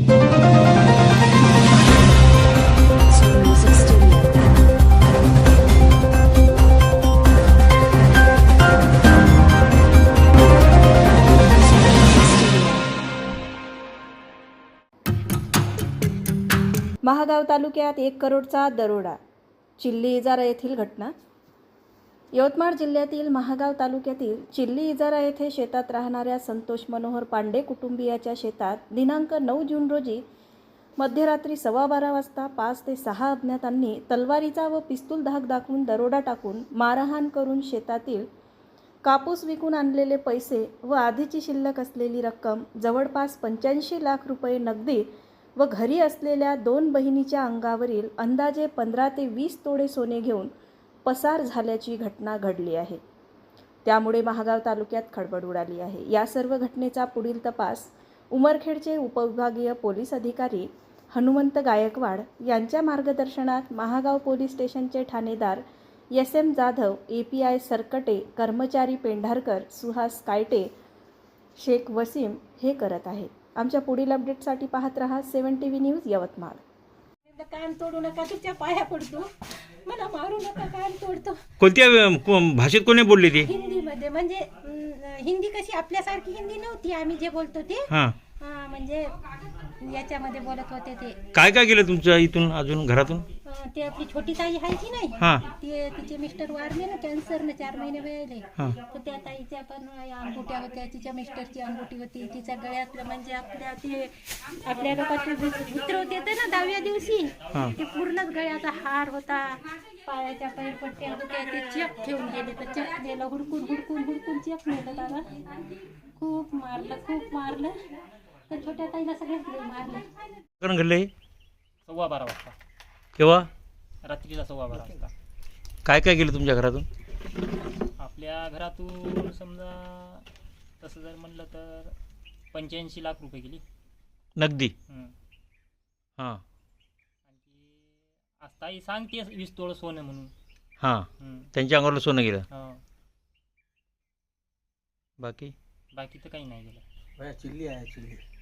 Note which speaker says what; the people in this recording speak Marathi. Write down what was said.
Speaker 1: महागाव तालुक्यात 1 करोडचा दरोडा. चिल्ली इजारा येथील घटना. यवतमाळ जिल्ह्यातील महागाव तालुक्यातील चिल्ली इजारा येथे शेतात राहणाऱ्या संतोष मनोहर पांडे कुटुंबियाच्या शेतात दिनांक 9 जून रोजी मध्यरात्री 12:15 वाजता 5 ते 6 अज्ञातांनी तलवारीचा व पिस्तूल धाक दाखवून दरोडा टाकून मारहाण करून शेतातील कापूस विकून आणलेले पैसे व आधीची शिल्लक असलेली रक्कम जवळपास 85 लाख रुपये नगदी व घरी असलेल्या 2 बहिणीच्या अंगावरील अंदाजे 15 ते 20 तोडे सोने घेऊन पसार झाल्याची घटना घडली आहे. त्यामुळे महागाव तालुक्यात खळबळ उडाली आहे. या सर्व घटनेचा पुढील तपास उमरखेडचे उपविभागीय पोलीस अधिकारी हनुमंत गायकवाड यांच्या मार्गदर्शनात महागाव पोलीस स्टेशनचे ठाणेदार SM जाधव, API सरकटे, कर्मचारी पेंढारकर, सुहास कायटे, शेख वसीम हे करत आहेत. आमच्या पुढील अपडेटसाठी पाहत रहा 7 TV न्यूज यवतमाळ.
Speaker 2: कान तोडू नका, तुझ्या पाया पडतो, मला मारू नका, कान तोडतो.
Speaker 3: कोणत्या भाषेत कोणी बोलली ती?
Speaker 2: हिंदीमध्ये. म्हणजे हिंदी कशी आपल्यासारखी हिंदी नव्हती, आम्ही जे बोलतो ते. म्हणजे याच्यामध्ये बोलत होते ते.
Speaker 3: काय काय केलं तुमच्या इथून अजून घरातून?
Speaker 2: ते आपली छोटी ताई आहे की नाही, ते तिचे मिस्टर वारले ना कॅन्सरने, 4 महिने वेळेले. तर त्या ताईच्या पण अंगुट्या होत्या, तिच्या मिस्टरची अंगुठी होती, तिच्या गळ्यातलं म्हणजे आपल्या लोकांचे मित्र होते ना 10व्या दिवशी, ते पूर्णच गळ्याचा हार होता, पायाच्या पैरपट्ट्या होत्या, ते चेक ठेवून गेले. तर चेक नेलं, हुडकून हुडकून हुडकून चेक नेलं त्याला. खूप मारलं. तर छोट्या ताईला सगळ्यात मारलं.
Speaker 3: घडले
Speaker 4: 12:15 वाजता.
Speaker 3: केव्हा?
Speaker 4: रात्रीला 12:15 वाजता.
Speaker 3: काय काय केलं तुमच्या घरातून?
Speaker 4: आपल्या घरातून समजा तसं जर म्हणलं तर 85 लाख रुपये गेली
Speaker 3: नगदी. हां.
Speaker 4: आणखी आज ताई सांगते 20 तोळं सोनं म्हणून.
Speaker 3: त्यांच्या अंगावर सोनं गेलं.
Speaker 4: बाकी तर काही नाही गेलं.
Speaker 5: चिल्ली आहे चिल्ली.